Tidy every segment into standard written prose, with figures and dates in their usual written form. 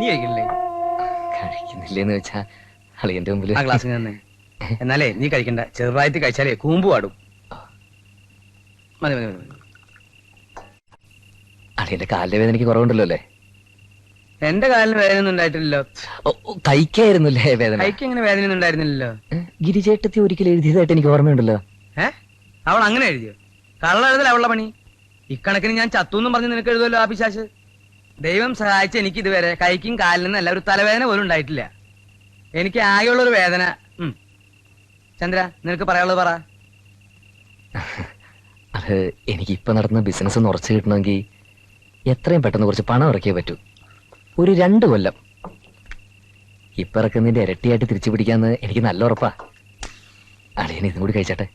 നീ കഴിക്കണില്ലേ? കഴിക്കുന്നില്ലേന്ന് വെച്ചാ അളിയന്റെ മുമ്പിൽ ആ ഗ്ലാസ് തന്നെ. എന്നാലേ നീ കഴിക്കണ്ട, ചെറുതായിട്ട് കഴിച്ചാലേ കൂമ്പ് പാടും. മതി മതി മതി. അളിയന്റെ കാലിന്റെ വേദന എനിക്ക് കുറവുണ്ടല്ലോ അല്ലേ? എന്റെ കാലിന് വേദന ഒന്നും ഉണ്ടായിട്ടില്ലല്ലോ. കഴിക്കായിരുന്നല്ലേ വേദന? കൈക്ക് എങ്ങനെ വേദന ഒന്നും ഉണ്ടായിരുന്നില്ലല്ലോ. ഗിരിചേട്ടത്തി ഒരിക്കൽ എഴുതിയതായിട്ട് എനിക്ക് ഓർമ്മയുണ്ടല്ലോ. അവൾ അങ്ങനെ എഴുതിയോ? കള്ള എഴുതല അവളുടെ പണി. ഇക്കണക്കിന് ഞാൻ ചത്തുന്നും പറഞ്ഞ് നിനക്ക് എഴുതുമല്ലോ ആ പിശാച്. ദൈവം സഹായിച്ച് എനിക്ക് ഇതുവരെ കൈക്കും കാലിനും അല്ല ഒരു തലവേദന പോലും ഉണ്ടായിട്ടില്ല. എനിക്ക് ആകെയുള്ളൊരു വേദന. ചന്ദ്ര, നിനക്ക് പറയാനുള്ളത് പറ. അത് എനിക്ക് ഇപ്പൊ നടത്തുന്ന ബിസിനസ് ഒന്ന് ഉറച്ചു കിട്ടണമെങ്കിൽ എത്രയും പെട്ടെന്ന് കുറച്ച് പണം ഇറക്കിയേ പറ്റൂ. ഒരു 2 കൊല്ലം. ഇപ്പൊ ഇറക്കുന്നതിന്റെ ഇരട്ടിയായിട്ട് തിരിച്ചു പിടിക്കാന്ന് എനിക്ക് നല്ല ഉറപ്പാ. അളിയൻ ഇതും കൂടി കഴിച്ചട്ടെ.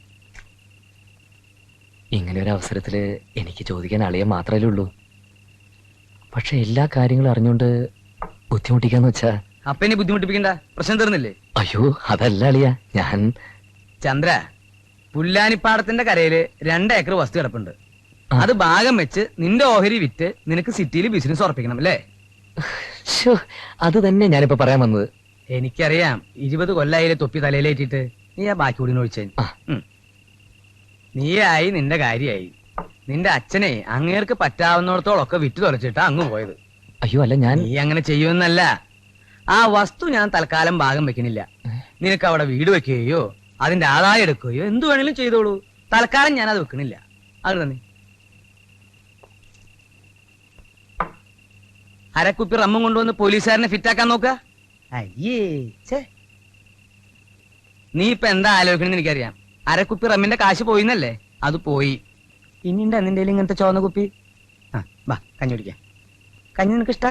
ഇങ്ങനെ ഒരു അവസരത്തില് എനിക്ക് ചോദിക്കാൻ അളിയൻ മാത്രമല്ലേ ഉള്ളൂ. പക്ഷെ എല്ലാ കാര്യങ്ങളും അറിഞ്ഞുകൊണ്ട് ബുദ്ധിമുട്ടിക്കാന്ന് വെച്ചാ. അപ്പൊ ഇനി ബുദ്ധിമുട്ടിപ്പിക്കണ്ട, പ്രശ്നം തീർന്നില്ലേ? അയ്യോ അതല്ല അളിയ, ഞാൻ ചന്ദ്ര, പുല്ലാനിപ്പാടത്തിന്റെ കരയില് 2 ഏക്കർ വസ്തു കിടപ്പുണ്ട്. അത് ഭാഗം വെച്ച് നിന്റെ ഓഹരി വിറ്റ് നിനക്ക് സിറ്റിയിൽ ബിസിനസ് ഉറപ്പിക്കണം അല്ലേ? അത് തന്നെ ഞാനിപ്പോ പറയാൻ വന്നത്. എനിക്കറിയാം, 20 കൊല്ലായില്ലേ തൊപ്പി തലയിലേറ്റിട്ട്. നീ ആ ബാക്കി കൂടി ഒഴിച്ചേ. നീയായി, നിന്റെ കാര്യായി. നിന്റെ അച്ഛനെ അങ്ങേർക്ക് പറ്റാവുന്നിടത്തോളൊക്കെ വിറ്റു തുലച്ചിട്ടാ അങ്ങ് പോയത്. അയ്യോ അല്ല, ഞാൻ നീ അങ്ങനെ ചെയ്യുമെന്നല്ല. ആ വസ്തു ഞാൻ തൽക്കാലം ഭാഗം വെക്കണില്ല. നിനക്ക് അവിടെ വീട് വെക്കുകയോ അതിന്റെ ആദായം എടുക്കുകയോ എന്തു വേണേലും ചെയ്തോളൂ. തൽക്കാലം ഞാൻ അത് വെക്കണില്ല. അത് തന്നെ. അരക്കുപ്പി റമ്മും കൊണ്ടുവന്ന് പോലീസുകാരനെ ഫിറ്റാക്കാൻ നോക്ക. അയ്യേ, നീ ഇപ്പൊ എന്താ ആലോചിക്കണെന്ന് എനിക്കറിയാം. അരക്കുപ്പി റമ്മിന്റെ കാശ് പോയിന്നല്ലേ? അത് പോയി. ഇനിയുണ്ട് നിന്റെ ഇങ്ങനത്തെ ചോന്ന കുപ്പി. വാ, കഞ്ഞി കുടിക്കാം. കഞ്ഞി നിനക്ക് ഇഷ്ട?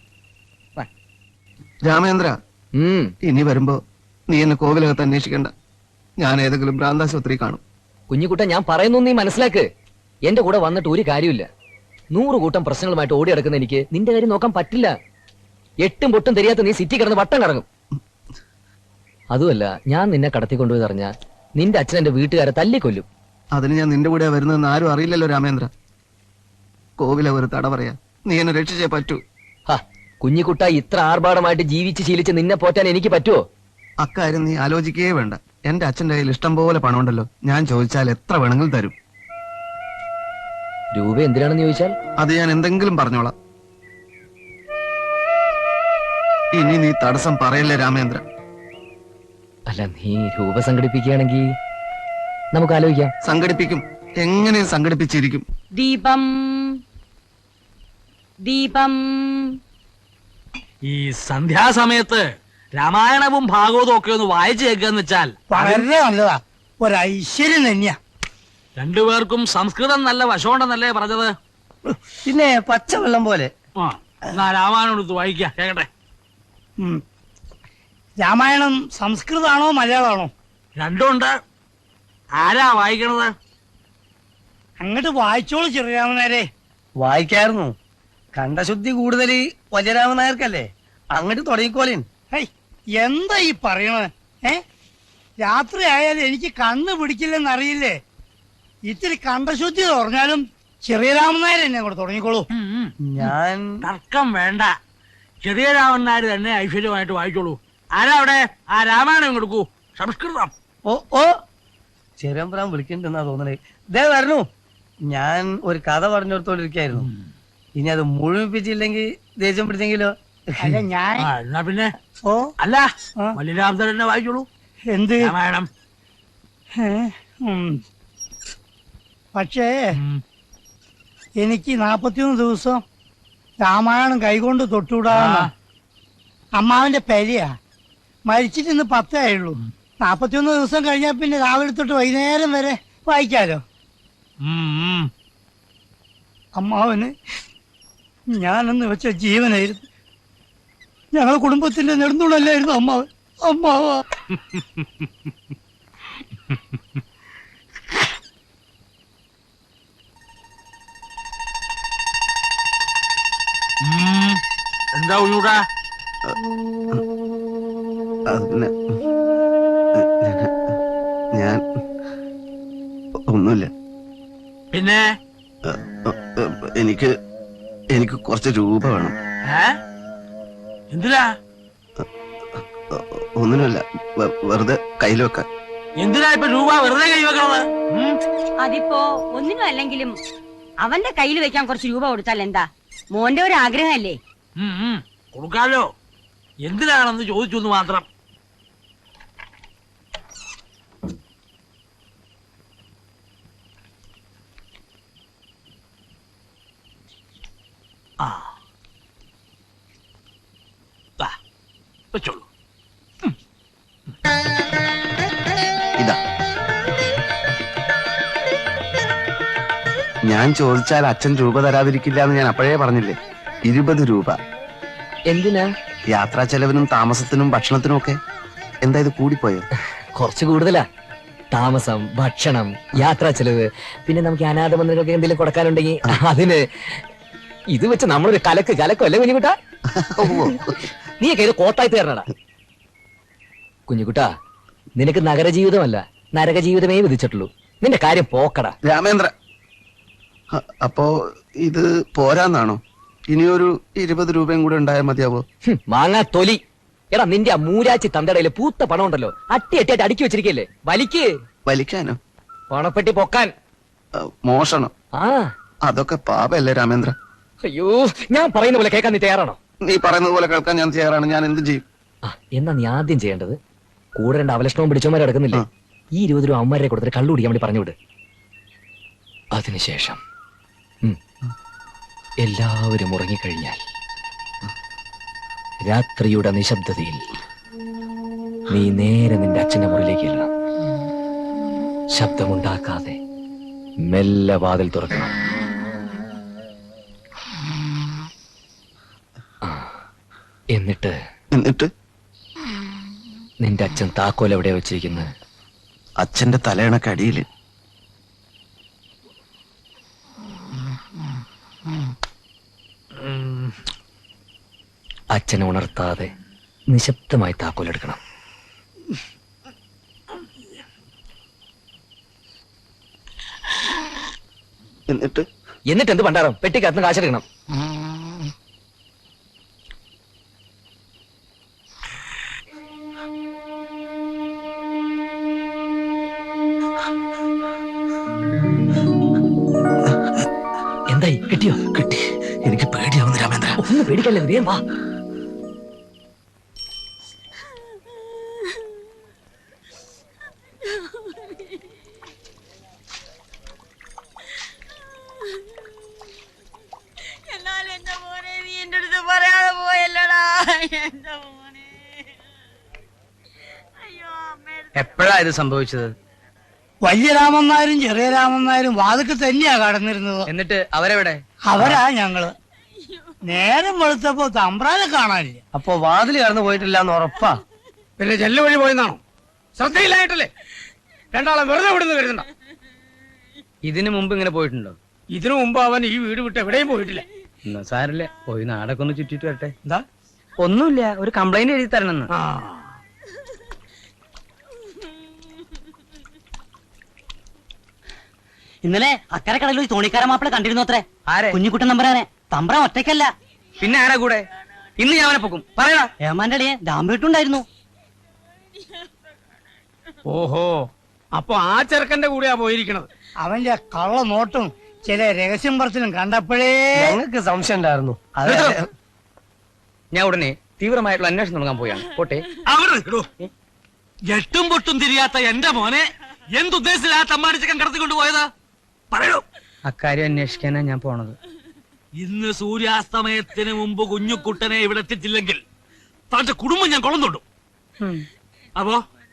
രാമേന്ദ്ര, ഇനി വരുമ്പോ നീ എന്നെ കോവിലകത്ത് അന്വേഷിക്കണ്ട. ഞാൻ ഏതെങ്കിലും ഭ്രാന്താശുപത്രി കാണും. കുഞ്ഞിക്കുട്ട, ഞാൻ പറയുന്നു നീ മനസ്സിലാക്ക്. എന്റെ കൂടെ വന്നിട്ട് ഒരു കാര്യമില്ല. 100 കൂട്ടം പ്രശ്നങ്ങളുമായിട്ട് ഓടി നടക്കുന്ന എനിക്ക് നിന്റെ കാര്യം നോക്കാൻ പറ്റില്ല. 8ഉം പൊട്ടും தெரிയാത്ത നീ സിറ്റി കിടന്ന് വട്ടം കറങ്ങും. അതുമല്ല, ഞാൻ നിന്നെ കടത്തിക്കൊണ്ടുപോയി അറിഞ്ഞ നിന്റെ അച്ഛൻ എന്റെ വീട്ടുകാരെ തല്ലിക്കൊല്ലും. അതിന് ഞാൻ നിന്റെ കൂടെ വരുന്നതെന്ന് ആരും അറിയില്ലല്ലോ രാമേന്ദ്ര. കോവില ഒരു തട പറയാ, നീ എന്നെ രക്ഷിച്ചേ പറ്റൂ. കുഞ്ഞിക്കുട്ട, ഇത്ര ആർഭാടമായിട്ട് ജീവിച്ച് ശീലിച്ച് നിന്നെ പോറ്റാൻ എനിക്ക് പറ്റുമോ? അക്കാര്യം നീ ആലോചിക്കുകയേ വേണ്ട. എന്റെ അച്ഛന്റെ കയ്യിൽ ഇഷ്ടം പോലെ പണമുണ്ടല്ലോ. ഞാൻ ചോദിച്ചാൽ എത്ര വേണമെങ്കിലും തരും. രൂപ എന്തിനാണെന്ന് ചോദിച്ചാൽ അത് ഞാൻ എന്തെങ്കിലും പറഞ്ഞോളാം. ഇനി നീ തടസ്സം പറയല്ലേ രാമേന്ദ്ര. അല്ല, നീ രൂപ സംഘടിപ്പിക്കുകയാണെങ്കിൽ നമുക്ക് ആലോചിക്കാം. സംഘടിപ്പിക്കും, എങ്ങനെ സംഘടിപ്പിച്ചിരിക്കും. ദീപം ദീപം. ഈ സന്ധ്യാസമയത്ത് രാമായണവും ഭാഗവതവും ഒക്കെ ഒന്ന് വായിച്ചു കേൾക്കാന്ന് വെച്ചാൽ വളരെ നല്ലതാ. ഒരൈശ്വര്യം തന്നെയാ. രണ്ടുപേർക്കും സംസ്കൃതം നല്ല വശമുണ്ടെന്നല്ലേ പറഞ്ഞത്? പിന്നെ പച്ചവെള്ളം പോലെ. എന്നാ രാമായണം എടുത്ത് വായിക്കാം, കേക്കട്ടെ. രാമായണം സംസ്കൃതാണോ മലയാളമാണോ? രണ്ടുണ്ട്. ആരാ വായിക്കണത്? അങ്ങോട്ട് വായിച്ചോളൂ ചെറിയാമനാരെ. വായിക്കായിരുന്നു. കണ്ടശുദ്ധി കൂടുതൽ വജരാമൻ നായർക്കല്ലേ. അങ്ങോട്ട് തുടങ്ങിക്കോളീൻ. എന്താ ഈ പറയണത്? രാത്രി ആയാലും എനിക്ക് കണ്ണ് പിടിക്കില്ലെന്നറിയില്ലേ? ഇത്തിരി കണ്ടശുദ്ധി പറഞ്ഞാലും ചെറിയ രാമനായർ എന്നെ അങ്ങോട്ട് തുടങ്ങിക്കോളൂ. ഞാൻ തർക്കം വേണ്ട. ചെറിയ രാമൻ നായർ തന്നെ ഐശ്വര്യമായിട്ട് വായിച്ചോളൂ. ആരാ അവിടെ? ആ രാമായണം കൊടുക്കൂ, സംസ്കൃതം. ഓ ചെറിയമ്പുരാൻ വിളിക്കണ്ടെന്നാ തോന്നണേ. ഇതേ വരണു. ഞാൻ ഒരു കഥ പറഞ്ഞോടത്തോണ്ടിരിക്കായിരുന്നു. ഇനി അത് മുഴുമിപ്പിച്ചില്ലെങ്കിൽ ദേഷ്യം പിടിച്ചെങ്കിലോ? അല്ല ഞാൻ എന്നാ പിന്നെ ഓ അല്ല, മല്ലിരാമൻ തന്നെ വായിച്ചോളൂ എന്ത് രാമായണം. പക്ഷേ എനിക്ക് 41 ദിവസം രാമായണം കൈകൊണ്ട് തൊട്ടുവിടാന്ന അമ്മാവന്റെ പെരിയാ. മരിച്ചിട്ട് ഇന്ന് 10 ആയുള്ളൂ. 41 ദിവസം കഴിഞ്ഞാൽ പിന്നെ രാവിലെ തൊട്ട് വൈകുന്നേരം വരെ വായിക്കാലോ. അമ്മാവന് ഞാനെന്ന് വെച്ച ജീവനായിരുന്നു. ഞങ്ങളെ കുടുംബത്തിന്റെ നെടുന്നുള്ളല്ലായിരുന്നു അമ്മാവൻ. അമ്മാവാ എന്താ ഉള്ളൂടാ? ഞാൻ ഒന്നുമില്ല. പിന്നെ എനിക്ക് കുറച്ച് രൂപ വേണം. എന്തിനാ? ഒന്നിനുമല്ല, വെറുതെ കയ്യിൽ വെക്കാൻ. എന്തിനാ ഇപ്പൊ രൂപ വെറുതെ കൈവെക്കണത്? അതിപ്പോ ഒന്നിനും അല്ലെങ്കിലും അവന്റെ കയ്യിൽ വെക്കാൻ കുറച്ച് രൂപ കൊടുത്താൽ എന്താ? മോന്റെ ഒരു ആഗ്രഹമല്ലേ? കൊടുക്കാലോ, എന്തിനാണെന്ന് ചോദിച്ചു മാത്രം. ആ വെച്ചോളൂ. ഇതാ, ഞാൻ ചോദിച്ചാൽ അച്ഛൻ രൂപ തരാതിരിക്കില്ല എന്ന് ഞാൻ അപ്പോഴേ പറഞ്ഞില്ലേ. 20 രൂപ. എന്തിനാ? യാത്രാ ചെലവിനും താമസത്തിനും ഭക്ഷണത്തിനും ഒക്കെ. എന്താ ഇത് കൂടിപ്പോയോ? കുറച്ച് കൂടുതലാ. താമസം, ഭക്ഷണം, യാത്രാ ചെലവ്, പിന്നെ നമുക്ക് അനാഥ മന്ദിരങ്ങൾക്ക് എന്തെങ്കിലും കൊടുക്കാനുണ്ടെങ്കിൽ അതിന്. ഇത് വെച്ച് നമ്മളൊരു കലക്കോ അല്ലേ കുഞ്ഞുകുട്ടാ? നീയൊക്കെ ഇത് കോട്ടായി തീർന്നടാ. കുഞ്ഞുകുട്ടാ, നിനക്ക് നഗരജീവിതമല്ല നരകജീവിതമേ വിധിച്ചിട്ടുള്ളൂ. നിന്റെ കാര്യം പോക്കടാ. രാമേന്ദ്ര, അപ്പോ ഇത് പോരാന്നാണോ? ഇനിയൊരു 20 രൂപയും കൂടെ ഉണ്ടായാൽ മതിയാവോ? മാങ്ങാ തൊലി. എടാ, നിന്റെ ആ മൂരാച്ചി തന്തടയില് പൂത്ത പണം ഉണ്ടല്ലോ, അട്ടിയായിട്ട് അടുക്കി വെച്ചിരിക്കല്ലേ, വലിക്ക്. വലിക്കാനോ? പണപ്പെട്ടി പൊക്കാൻ. മോഷണം? ആ, അതൊക്കെ പാപല്ലേ രാമേന്ദ്ര? അയ്യോ, ഞാൻ പറയുന്ന പോലെ കേൾക്കാൻ നീ തയ്യാറാണോ? നീ പറയുന്നത് പോലെ കേൾക്കാൻ ഞാൻ തയ്യാറാണ്. ഞാൻ എന്ത് ചെയ്യും? എന്നാ നീ ആദ്യം ചെയ്യേണ്ടത്, കൂടെ 2 അവലക്ഷണവും പിടിച്ചവന്മാരെ കിടക്കുന്നില്ലേ, ഈ 20 രൂപ അമ്മമാരെ കൊടുത്തിട്ട് കള്ളു കുടിക്കാൻ വേണ്ടി പറഞ്ഞു വിട്. അതിനുശേഷം എല്ലാവരും ഉറങ്ങിക്കഴിഞ്ഞാൽ രാത്രിയുടെ നിശബ്ദതയിൽ നീ നേരെ നിന്റെ അച്ഛന്റെ മുറിയിലേക്ക് ചെല്ലണം. ശബ്ദമുണ്ടാക്കാതെ മെല്ലെ വാതിൽ തുറക്കണം. എന്നിട്ട് നിന്റെ അച്ഛൻ താക്കോൽ എവിടെയാ വെച്ചിരിക്കുന്നത്? അച്ഛന്റെ തലയണക്കടിയില്. അച്ഛനെ ഉണർത്താതെ നിശബ്ദമായി താക്കോൽ എടുക്കണം. എന്നിട്ട് എന്ത് പണ്ടാരം? പെട്ടിക്കകത്ത് കാശെടുക്കണം. എന്തായി, കിട്ടിയോ? കിട്ടി. എനിക്ക് പേടിയാവുന്നു രാമേന്ദ്ര. ഒന്ന് പേടിക്കല്ലേ, വേഗം വാ. എപ്പോഴാ ഇത് സംഭവിച്ചത്? വലിയ രാമന്മാരും ചെറിയ രാമന്മാരും വാതിക്ക് തന്നെയാ കടന്നിരുന്നത്. എന്നിട്ട് അവരെവിടെ? അവരാ ഞങ്ങള്. നേരം വെളുത്തപ്പോ തമ്പ്രാനെ കാണാനില്ല. അപ്പൊ വാതിൽ കടന്നു പോയിട്ടില്ല എന്ന് ഉറപ്പാ? പിന്നെ ജെല്ല് വഴി പോയെന്നാണോ? ശ്രദ്ധയില്ലായിട്ടല്ലേ? രണ്ടാളെ വെറുതെ വിടുന്നു കരുതണ്ട. ഇതിനു മുമ്പ് ഇങ്ങനെ പോയിട്ടുണ്ടോ? ഇതിനു മുമ്പ് അവൻ ഈ വീട് വിട്ട് എവിടെയും പോയിട്ടില്ല. എന്നാ സാരല്ലേ, പോയി നാടൊക്കെ ഒന്ന് ചുറ്റിട്ട് വരട്ടെ. എന്താ? ഒന്നുമില്ല, ഒരു കംപ്ലൈന്റ് എഴുതി തരണമെന്ന്. ഇന്നലെ അക്കരെ കടലിൽ ഒരു തോണിക്കാര മാപ്പിള കണ്ടിരുന്നു അത്രേ. ആരെ? കുഞ്ഞിക്കുട്ടൻ തമ്പുരാനെ. തമ്പ്രാൻ ഒറ്റയ്ക്കല്ല. പിന്നെ ആരാ കൂടെ? ഇന്ന് ഞാൻ അവനെ പൊക്കും. പറയടാ. ഏമാന്റെ അടിയെ ദാമ്പേട്ടുണ്ടായിരുന്നു. ഓഹോ, അപ്പൊ ആ ചെറുക്കന്റെ കൂടെയാ പോയിരിക്കണത്. അവന്റെ കള്ള നോട്ടും ചില രഹസ്യം പറച്ചിലും കണ്ടപ്പോഴേ ഞങ്ങൾക്ക് സംശയം ഉണ്ടായിരുന്നു. ഞാൻ ഉടനെ തീവ്രമായിട്ടുള്ള അന്വേഷണം തുടങ്ങാൻ പോയാണ്. പോട്ടെ. അവിടെ നിൽക്കണോ? എട്ടും പൊട്ടും തിരിയാത്ത എന്റെ മോനെ എന്തുദ്ദേശിച്ചില്ല ആ തമ്മാടിച്ചക്കൻ കടത്തിക്കൊണ്ട് പോയതാ? പറയൂ. അക്കാര്യം അന്വേഷിക്കാനാ ഞാൻ പോണത്. ഇന്ന് സൂര്യാസ്തമയത്തിന് മുമ്പ് കുഞ്ഞുക്കുട്ടനെ ഇവിടെ എത്തിച്ചില്ലെങ്കിൽ തന്റെ കുടുംബം ഞാൻ കൊളന്നുണ്ടു. അപ്പോ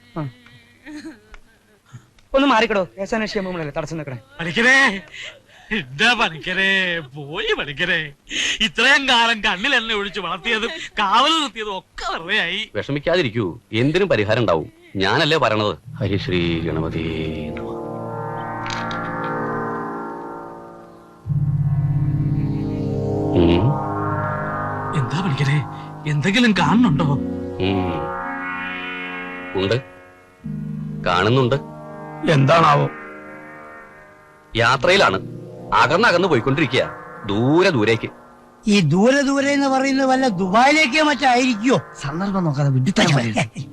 ഒന്ന് മാറിക്കടോ. കേസന്വേഷിക്കാൻ പോകുമ്പോഴല്ലേ തടസ്സം നിൽക്കണേ. പണിക്കരേ, എന്താ പണിക്കരേ, പോയി പണിക്കരേ. ഇത്രയും കാലം കണ്ണിൽ എന്നെ ഒഴിച്ച് വളർത്തിയതും കാവൽ നിർത്തിയതും ഒക്കെ വെറുതെയായി. വിഷമിക്കാതിരിക്കൂ, എന്തിനും പരിഹാരം ഉണ്ടാവും. ഞാനല്ലേ പറയണത്. ഹരിശ്രീ ഗണപതി. എന്താ പണിക്കരേ, എന്തെങ്കിലും കാണുന്നുണ്ടോ? ഉണ്ട്, കാണുന്നുണ്ട്. എന്താണാവോ? യാത്രയിലാണ്, അകന്നകന്ന് പോയിക്കൊണ്ടിരിക്കുക, ദൂരേക്ക്. ഈ ദൂരെ ദൂരെ എന്ന് പറയുന്നത് വല്ല ദുബായിലേക്കോ മറ്റായിരിക്കോ? സന്ദർഭം നോക്കാതെ വിഡിത്തരം മതി.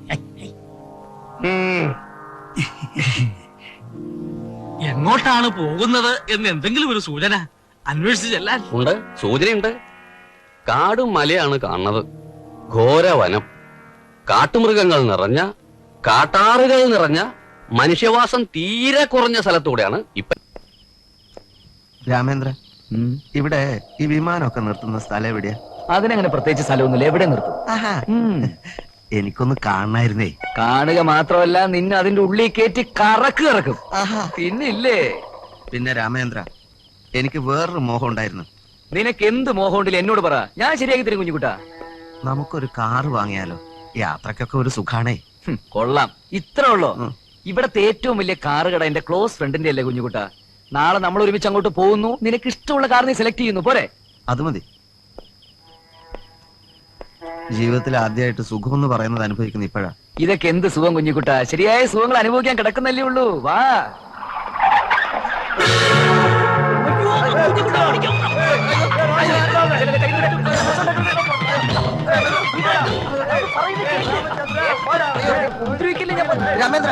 എങ്ങോട്ടാണ് പോകുന്നത് എന്ന് എന്തെങ്കിലും ഒരു സൂചന അന്വേഷിച്ച് ചെല്ലാൻ. ഉണ്ട്, സൂചനയുണ്ട്. കാടും മലയാണ് കാണുന്നത്. ഘോരവനം, കാട്ടുമൃഗങ്ങൾ നിറഞ്ഞ, കാട്ടാറുകൾ നിറഞ്ഞ, മനുഷ്യവാസം തീരെ കുറഞ്ഞ സ്ഥലത്തൂടെയാണ് ഇപ്പൊ. രാമേന്ദ്ര, ഉം. ഇവിടെ ഈ വിമാനമൊക്കെ നിർത്തുന്ന സ്ഥലം എവിടെയാ? അതിനങ്ങനെ പ്രത്യേകിച്ച് സ്ഥലമൊന്നുമില്ല, എവിടെ നിർത്തും. ആഹാ, ഉം. എനിക്കൊന്ന് കാണണായിരുന്നേ. കാണുക മാത്രമല്ല, നിന്നെ അതിന്റെ ഉള്ളിൽ കയറ്റി കറക്കും. ആഹാ. പിന്നില്ലേ, പിന്നെ രാമേന്ദ്ര, എനിക്ക് വേറൊരു മോഹം ഉണ്ടായിരുന്നു. നിനക്ക് എന്ത് മോഹമുണ്ടില്ല എന്നോട് പറ, ഞാൻ ശരിയാക്കി തരും കുഞ്ഞുകുട്ടാ. നമുക്കൊരു കാറ് വാങ്ങിയാലോ? യാത്രക്കൊക്കെ ഒരു സുഖാണേ. കൊള്ളാം, ഇത്ര ഉള്ളോ? ഉം. ഇവിടത്തെ ഏറ്റവും വലിയ കാറ് കട എന്റെ ക്ലോസ് ഫ്രണ്ടിന്റെ അല്ലേ കുഞ്ഞുകുട്ടാ. നാളെ നമ്മൾ ഒരുമിച്ച് അങ്ങോട്ട് പോകുന്നു, നിനക്ക് ഇഷ്ടമുള്ള കാർ നീ സെലക്ട് ചെയ്യുന്നു, പോരെ? അത് മതി. ജീവിതത്തിൽ ആദ്യമായിട്ട് സുഖം എന്ന് പറയുന്നത് അനുഭവിക്കുന്ന ഇപ്പോഴാ. ഇതൊക്കെ എന്ത് സുഖം കുഞ്ഞുകുട്ടാ, ശരിയായ സുഖങ്ങൾ അനുഭവിക്കാൻ കിടക്കുന്നല്ലേ ഉള്ളൂ. വാ. രാമേന്ദ്ര,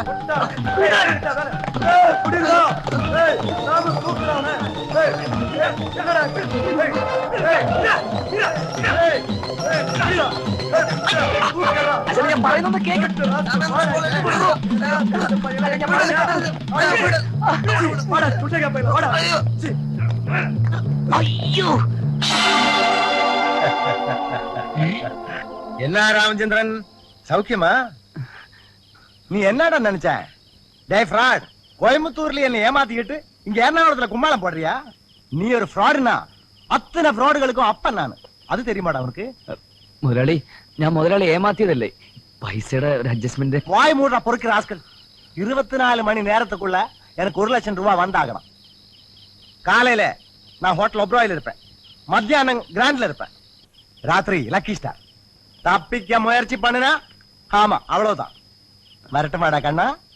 അച്ഛാ, ഞാൻ പറയുന്നത് കേക്ക്. അയ്യോ, என்ன ராமச்சந்திரன் சௌக்கியமா? நீ என்னடா நினைச்ச? டேய் ஃப்ராட், கோயம்புத்தூர்ல என்ன ஏமாத்திக்கிட்டு இங்க எர்ணாகுளத்துல கும்மாளம் போடுறியா? நீ ஒரு ஃப்ராடுனா அத்தனை ஃப்ராடுகளுக்கும் அப்பன் நான். அது தெரியுமாடா உனக்கு? മുതലാളി, ഞാൻ മുതലാളി ഏമാത്തിയതല്ലേ, പൈസയുടെ ഒരു അഡ്ജസ്റ്റ്മെന്റ്. வாய் மூடுற பொறுக்கிற ஆஸ்கள். 24 மணி நேரத்துக்குள்ள எனக்கு 1 லட்சம் ரூபாய் வந்தாகணும். காலையில நான் ஹோட்டல் ஒப்ராயில் இருப்பேன், மத்தியானம் கிராண்ட்ல இருப்பேன், ராத்திரி லக்கி ஸ்டார். தப்பிக்க முயற்சி பண்ணுனா ஆமா அவ்வளவுதான். வரட்டுமாடா கண்ணா?